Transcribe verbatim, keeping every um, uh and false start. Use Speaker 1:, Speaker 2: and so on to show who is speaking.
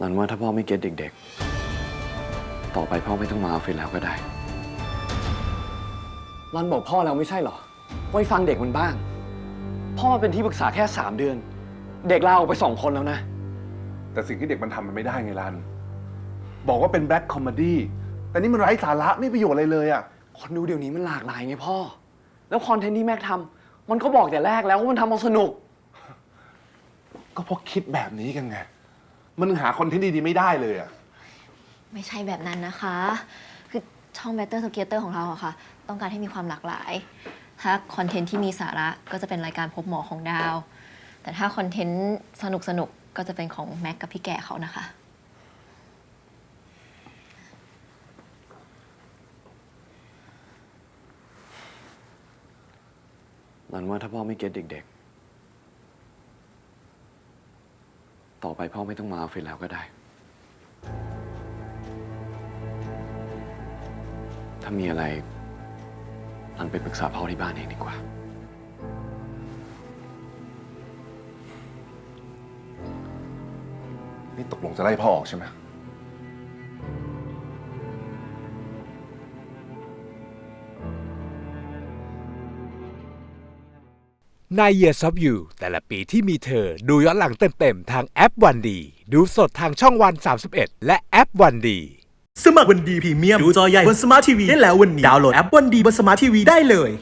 Speaker 1: นันว่าถ้าพ่อไม่เก็ตเด็กๆ ต่อไปพ่อไม่ต้องมาออฟฟิศแล้วก็ได้รันบอกพ่อแล้วไม่ใช่เหรอไว้ฟังเด็กมันบ้างพ่อมาเป็นที่ปรึกษาแค่สามเดือนเด็กลาออกไปสองคนแล้วนะ
Speaker 2: แต่สิ่งที่เด็กมันทำมันไม่ได้ไงรันบอกว่าเป็นแบล็คคอมเมดี้แต่นี่มันไร้สาระไม่ประโยชน์อะไรเลยอ่ะ
Speaker 1: คนดูเดี๋ยวนี้มันหลากหลายไงพ่อแล้วคอนเทนต์ที่แม็กทำมันก็บอกแต่แรกแล้วว่ามันทำเอาสนุก
Speaker 2: ก็เพราะคิดแบบนี้กันไงมันหาคอนเทนต์ดีๆไม่ได้เลยอ่ะ
Speaker 3: ไม่ใช่แบบนั้นนะคะ คือช่อง Better Together ของเราอะค่ะ ต้องการให้มีความหลากหลาย ถ้าคอนเทนต์ที่มีสาระก็จะเป็นรายการพบหมอของดาว แต่ถ้าคอนเทนต์สนุกสนุกก็จะเป็นของแม็กกับพี่แก่เขานะคะ
Speaker 1: นันว่าถ้าพ่อไม่เก็ตเด็กๆ ต่อไปพ่อไม่ต้องมาออฟฟิศแล้วก็ได้ ถ้ามีอะไรนันไปปรึกษาพ่อที่บ้านเองดีกว่า
Speaker 2: นี่ตกลงจะไล่พ่อออกใช่ไหม
Speaker 4: ใน Years of You แต่ละปีที่มีเธอดูย้อนหลังเต็มๆทางแอปวันดีดูสดทางช่องวันสามสิบเอ็ดและแอปวันดี
Speaker 5: สมัครวันดีพรีเมียมดูจอใหญ่บนสมาร์ททีวีได้แล้ววันนี้ดาวน์โหลดแอปวันดีบนสมาร์ททีวีได้เลย